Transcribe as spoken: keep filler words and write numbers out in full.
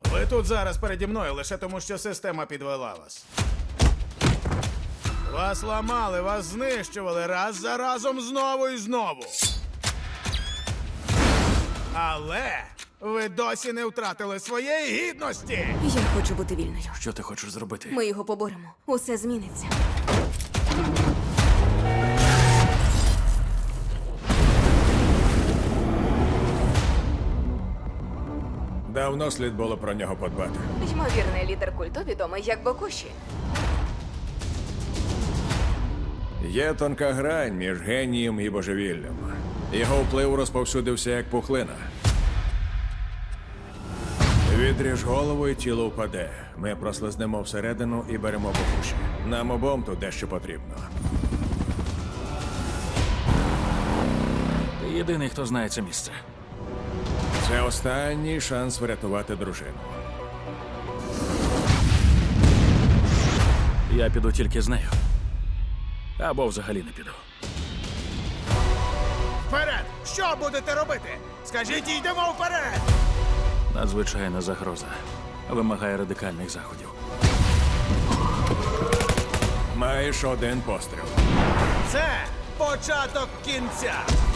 Ви тут зараз переді мною лише тому, що система підвела вас. Вас ламали, вас знищували раз за разом знову і знову. Але ви досі не втратили своєї гідності. Я хочу бути вільною. Що ти хочеш зробити? Ми його поборемо. Усе зміниться. Давно слід було про нього подбати. Ймовірний лідер культу відомий як Бокуші. Є тонка грань між генієм і божевіллям. Його вплив розповсюдився як пухлина. Відріж голову і тіло впаде. Ми прослизнемо всередину і беремо Бокуші. Нам обом тут дещо потрібно. Ти єдиний, хто знає це місце. Це останній шанс врятувати дружину. Я піду тільки з нею. Або взагалі не піду. Вперед! Що будете робити? Скажіть, йдемо вперед! Надзвичайна загроза. Вимагає радикальних заходів. Маєш один постріл. Це початок кінця.